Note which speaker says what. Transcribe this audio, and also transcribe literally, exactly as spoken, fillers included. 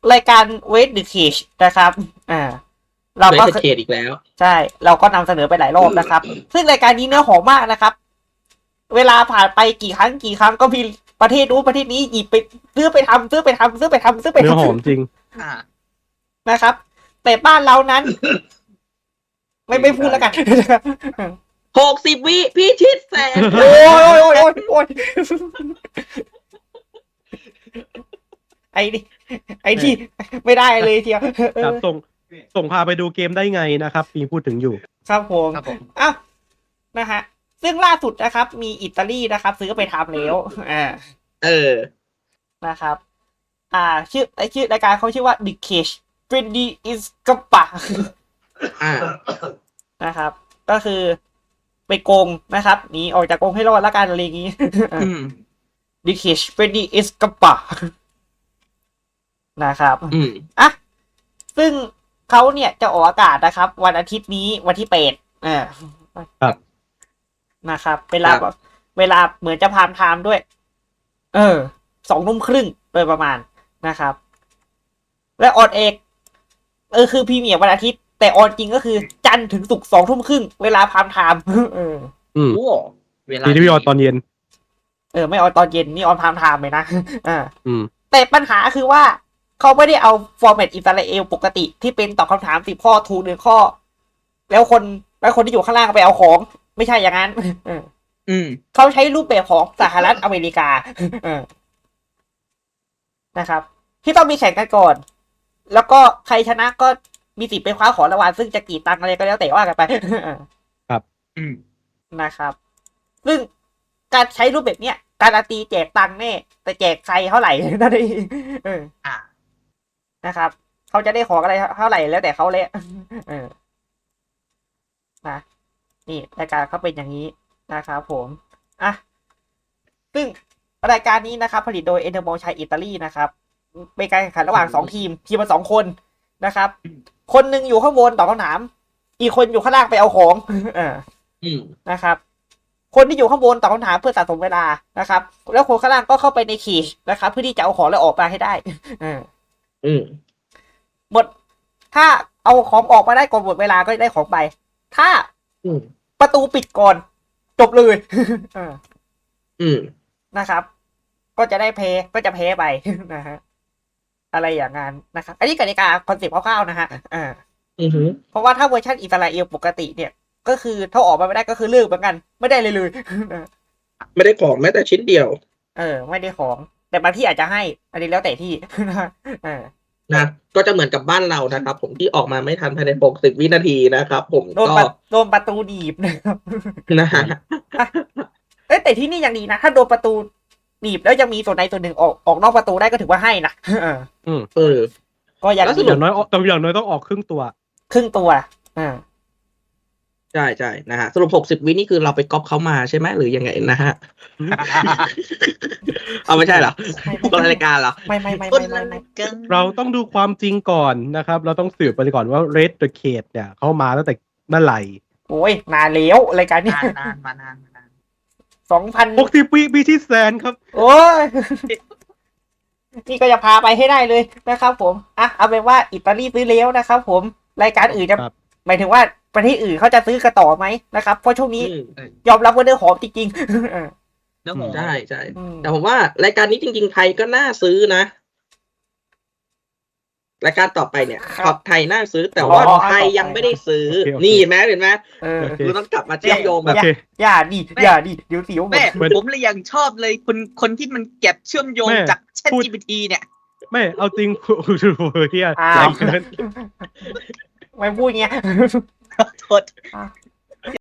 Speaker 1: รายการเวทเดอะเคจนะครับอ่าเราก็
Speaker 2: เวทเดอะเคจอีกแล้ว
Speaker 1: ใช่เราก็นำเสนอไปหลายรอบนะครับ ซึ่งรายการนี้เนื้อหอมมากนะครับ เวลาผ่านไปกี่ครั้งกี่ครั้งก็มีประเทศนู้นประเทศนี้หยิบไปซื้อไปทำซื้อไปทำซื้อไปทำซื้อไปทำ
Speaker 3: เนื้อหอมจริง
Speaker 4: อ่า
Speaker 1: นะครับ แต่บ้านเรานั้น ไม่ไม่พูดแล้วกัน
Speaker 2: หกสิบวิพี่ชิดแสน
Speaker 1: โอ้ยโอ้ยโอ้ยโอ้ยโอ้ยไอ้นี่ไอ้ที่ไม่ได้เลยเทียวเอ
Speaker 3: ครับ
Speaker 1: อ
Speaker 3: ส่งส่งพาไปดูเกมได้ไงนะครับมีพูดถึงอยู่
Speaker 1: ครับผม
Speaker 4: ครับผม
Speaker 1: อ้าวนะฮะซึ่งล่าสุดนะครับ มีอิตาลีนะครับ ซื้อไปทำแล้วอ่า
Speaker 2: เออ
Speaker 1: นะครับ อ่า ชื่อไอชื่อรายการเขาชื่อว่า The Cage เป็น ดี is กระปะ
Speaker 2: อ่า
Speaker 1: นะครับ ก็คือไปโกงนะครับหนีออกจากกรงให้รอดละกันอะไรอย่างงี้
Speaker 2: อืม
Speaker 1: The Cage เป็น ดี is กระปะนะครับ
Speaker 2: อืม
Speaker 1: อ่ะซึ่งเขาเนี่ยจะออกอากาศนะครับ วันอาทิตย์นี้วันที่แปดอ่า
Speaker 3: ครับ
Speaker 1: นะครับเวลา
Speaker 2: ครับ
Speaker 1: เวลาเหมือนจะพามไทม์ด้วย เออสองทุ่มครึ่งโดยประมาณนะครับ และออนเอกเออคือพรีเมียร์วันอาทิตย์ แต่ออนจริงก็คือจันทร์ถึงศุกร์สองทุ่มครึ่งเวลาพามไทม์ เออ
Speaker 3: อืม
Speaker 4: โอ้เวลา
Speaker 3: ทีทีวีออนตอนเย็น
Speaker 1: เออไม่ออนตอนเย็นนี่ออนพามไทม์เลยนะ อ่า
Speaker 3: อืม
Speaker 1: แต่ปัญหาคือว่าเขาไม่ได้เอาฟอร์แมตอิสราเอลปกติที่เป็นตอบคำถามสิบข้อถูกหนึ่งข้อ แล้วคนแล้วคนที่อยู่ข้างล่างไปเอาของ ไม่ใช่อย่างนั้น เออ
Speaker 4: อืม
Speaker 1: เขาใช้รูปแบบของสหรัฐอเมริกา เออนะครับ ที่ต้องมีแข่งกันก่อน แล้วก็ใครชนะก็มีสิทธิ์ไปคว้าของรางวัลซึ่งจะกี่ตังค์อะไรก็แล้วแต่ว่ากันไป
Speaker 4: อืม
Speaker 1: นะครับ ซึ่งการใช้รูปแบบเนี้ยการันตีแจกตังค์แน่แต่แจกใครเท่าไหร่ นั่นเองเออ
Speaker 4: อ่า
Speaker 1: นะครับเขาจะได้ของอะไรเท่าไหร่แล้วแต่เขาเลย เออนะนี่รายการเขาเป็นอย่างนี้นะครับผมอ่ะซึ่งรายการนี้นะครับ ผลิตโดยเอเนอร์โมชัยอิตาลีนะครับเป็นการแข่งขันระหว่างสองทีม ทีมละสองคนนะครับ คนหนึ่งอยู่ข้างบนตอบคำถาม อีกคนอยู่ข้างล่างไปเอาของ เออ
Speaker 2: อืม
Speaker 1: นะครับ คนที่อยู่ข้างบนตอบคำถามเพื่อสะสมเวลานะครับ แล้วคนข้างล่างก็เข้าไปในคีชนะครับ เพื่อที่จะเอาของแล้วออกมาให้ได้ เออ
Speaker 2: อืม
Speaker 1: หมดถ้าเอาของออกมาได้ก่อนหมดเวลาก็ได้ของไป ถ้า
Speaker 2: อืม
Speaker 1: ประตูปิดก่อนจบเลย เออ
Speaker 2: อืม
Speaker 1: นะครับ ก็จะได้แพ้ก็จะแพ้ไป นะฮะอะไรอย่างนั้นนะครับ อันนี้กติกาคอนเซ็ปต์คร่าวๆนะฮะอ่า
Speaker 2: อือหือ
Speaker 1: เพราะว่าถ้าเวอร์ชันอิสราเอลปกติเนี่ย ก็คือถ้าออกมาไม่ได้ก็คือเลิกเหมือนกัน ไม่ได้เลยเลย
Speaker 2: ไม่ได้ของแม้แต่ชิ้นเดียว
Speaker 1: เออ ไม่ได้ของ แต่บางที่อาจจะให้ อันนี้แล้วแต่ที่ เออ
Speaker 2: นะ ก็จะเหมือนกับบ้านเรานะครับ ผมที่ออกมาไม่ทันภายในหกสิบวินาทีนะครับ ผม
Speaker 1: โดน
Speaker 2: ก็
Speaker 1: ประโดนประตูดีบนะครับ
Speaker 2: นะฮะ
Speaker 1: เอ้ยแต่ที่นี่ยังดีนะ ถ้าโดนประตูหนีบแล้วยังมีส่วนใดส่วนหนึ่งออกออกนอกประตูได้ก็ถือว่าให้นะ เออ
Speaker 3: อืม
Speaker 2: เออ
Speaker 1: ก็ยัง
Speaker 2: แล้วส
Speaker 1: ดี
Speaker 2: รุ
Speaker 3: อย่างน้อยออกแต่อย่างน้อยต้องออกครึ่งตัว
Speaker 1: ครึ่งตัวอ่า
Speaker 2: ใช่ใช่นะฮะ สรุปหกสิบวินี่คือเราไปก๊อปเขามาใช่ไหมหรือยังไงนะฮะ เอาไม่ใช่เหรอคนละรายการเหรอ
Speaker 1: ไม่ไม่ไม่
Speaker 4: คน
Speaker 1: ไม่
Speaker 4: ละ
Speaker 1: ไม่
Speaker 4: รายการ
Speaker 3: เราต้องดูความจริงก่อนนะครับ เราต้องสืบไปก่อนว่า Red the Cage เนี่ยเขามาตั้งแต่เมื่อไหร่
Speaker 1: โอ้ยนานแล้วรายการนี้
Speaker 4: นานนานมานานมานาน
Speaker 1: สองพัน
Speaker 3: หกสิบวิปีที่แสนครับ
Speaker 1: โอ้ย นี่ก็จะพาไปให้ได้เลยนะครับผมอ่ะเอาเป็นว่าอิตาลีซื้อแล้วนะครับผมรายการอื่นจะ
Speaker 3: ครับ
Speaker 1: หมายถึงว่าประเทศอื่นเขาจะซื้อกันต่อไหมนะครับ เพราะช่วงนี้
Speaker 2: อืม
Speaker 1: ยอมรับว่าเนื้อหอมจริงๆ เออ
Speaker 4: เนื้อหอม
Speaker 2: ใช่ใช่
Speaker 1: อืม
Speaker 2: แต่ผมว่ารายการนี้จริง ๆ ไทยก็น่าซื้อนะ รายการต่อไปเนี่ยขอบไทยน่าซื้อ แต่ว่าไทยยังไม่ได้ซื้อ
Speaker 3: โอเคโอเค
Speaker 2: นี่เห็นไหมเห็นไหม
Speaker 1: เออ
Speaker 3: โอเค
Speaker 2: เราต้องกลับมาเชื่อมโยง
Speaker 3: โอ
Speaker 2: แบบ
Speaker 3: เค
Speaker 1: อย่าดิอย่าดิเดี๋ยวเสียวหม
Speaker 4: แม่
Speaker 1: ด
Speaker 3: เหมือน
Speaker 4: ผมเลยยังชอบเลยคนคนที่มันเก็บเชื่อมโยง
Speaker 3: แม่
Speaker 4: จาก Chat
Speaker 3: พูด
Speaker 4: จี พี ที เนี่ย
Speaker 3: ไม่เอาจริง เฮีย
Speaker 1: อ้า
Speaker 3: แร
Speaker 1: ว
Speaker 3: งเกิน
Speaker 1: ไม่พูดเงี้ย
Speaker 4: โทษ